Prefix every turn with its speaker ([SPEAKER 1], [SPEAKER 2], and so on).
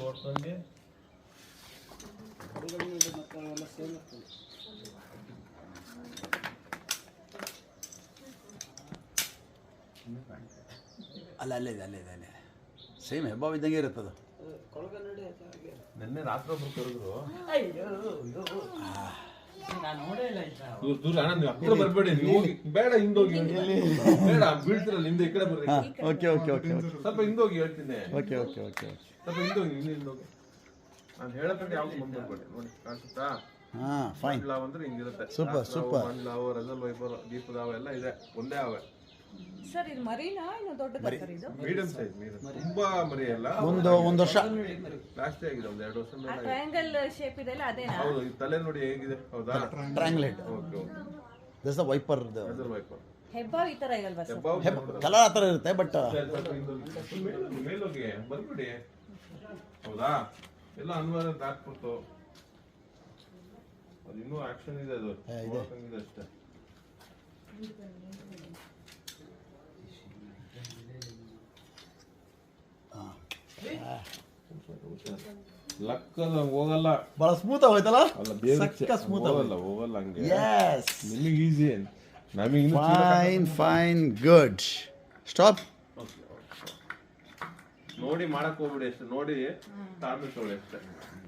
[SPEAKER 1] ನೋಡ್ಕೊಂಡೆ
[SPEAKER 2] ಅಲ್ಲೇ ಸೇಮ್ ಹೆಬ್ಬಾವ್ ಇದ್ದಂಗೆ ಇರುತ್ತದು.
[SPEAKER 1] ನಿನ್ನೆ ರಾತ್ರಿ ಒಬ್ರು ಕರೆದ್ರು. ಹತ್ರ ಬರ್ಬೇಡಿ, ನೀವು ಹೋಗಿ. ಬೇಡ, ಹಿಂದೋಗಿ. ಬೇಡ, ಬೀಳ್ತಿರಲ್ಲ, ಹಿಂದೆ ಈ ಕಡೆ ಬರ್ರಿ.
[SPEAKER 2] ಓಕೆ
[SPEAKER 1] ಸ್ವಲ್ಪ ಹಿಂದೋಗಿ ಹೇಳ್ತೀನಿ.
[SPEAKER 2] ಓಕೆ
[SPEAKER 1] ಸ್ವಲ್ಪ ಹಿಂದೋಗಿ, ಹಿಂದೋಗಿ. ನಾನು ಹೇಳಕ್ಕಂತ ಯಾವ್ದು ಮುಂದೆ ಬರ್ಬೇಡಿ. ನೋಡಿ ಕಾಣಿಸುತ್ತಾ?
[SPEAKER 2] ಫೈನ್.
[SPEAKER 1] ಮಂಡ್ಲಾವ್ ಅಂದ್ರೆ ಹಿಂಗಿರುತ್ತೆ.
[SPEAKER 2] ಸೂಪರ್.
[SPEAKER 1] ಮಂಡ್ಲಾವ್, ರೆಸಲ್ ವೈಪರ್, ದೀಪದಾವ ಎಲ್ಲ ಇದೆ, ಒಂದೇ ಅವೆ.
[SPEAKER 3] ಸರ್ ಇದು ಮರಿನಾ ಇನ್ನು ದೊಡ್ಡದಾ ಸರ್ ಇದು?
[SPEAKER 1] ಮೀಡಿಯಂ ಸೈಜ್, ತುಂಬಾ ಮರಿ ಅಲ್ಲ.
[SPEAKER 2] ಒಂದು ವರ್ಷ
[SPEAKER 1] ಜಾಸ್ತಿ ಆಗಿದೆ, ಒಂದು 2 ವರ್ಷ ಮೇಲೆ.
[SPEAKER 3] ಟ್ರಯಾಂಗಲ್ ಶೇಪ್ ಇದೆಲ್ಲ ಅದೇನಾ?
[SPEAKER 1] ಹೌದು, ಈ ತಲೆ ನೋಡಿ ಹೇಗಿದೆ, ಹೌದಾ?
[SPEAKER 2] Triangle head.
[SPEAKER 1] Okay.
[SPEAKER 2] This the viper.
[SPEAKER 1] Russell viper
[SPEAKER 3] ಹೆಬ್ಬಾವ್ ಈ ತರ ಇರಲ್ವಾ ಸರ್?
[SPEAKER 2] ಕಲರ್ ಆ ಥರ ಇರುತ್ತೆ, ಬಟ್
[SPEAKER 1] ಮೇಲೋಗಿ ಬರ್ಬಿಡಿ, ಹೌದಾ? ಎಲ್ಲ ಅನ್ವಯ ಹಾಕ್ಬಿಡ್ತು. ಅದು ಇನ್ನೂ ಆಕ್ಷನ್ ಇದೆ, ಅದು ನೋಡಕ್ಕಂಗಿದೆ ಅಷ್ಟೇ. ಲಕ್ಕಲ್ಲ ಹೋಗಲ್ಲ,
[SPEAKER 2] ಬಹಳ ಸ್ಮೂತ್ ಆಗೋಯ್ತಲ್ಲ.
[SPEAKER 1] ಅಲ್ಲ ಬೇರೆ
[SPEAKER 2] ಸ್ಮೂತ್
[SPEAKER 1] ಹೋಗಲ್ಲ ಹಂಗೆ.
[SPEAKER 2] ಯಸ್,
[SPEAKER 1] ನಿಮಗೆ ಈಸಿ, ನಮಗೆ
[SPEAKER 2] ಫೈನ್ ಗುಡ್. ಸ್ಟಾಪ್.
[SPEAKER 1] ನೋಡಿ ಮಾಡಕ್ ಹೋಗ್ಬಿಡಿ ಅಷ್ಟೇ, ನೋಡಿ ತಾಳ್ಮೆ ತೊಗೊಳ್ಳಿ ಅಷ್ಟೇ.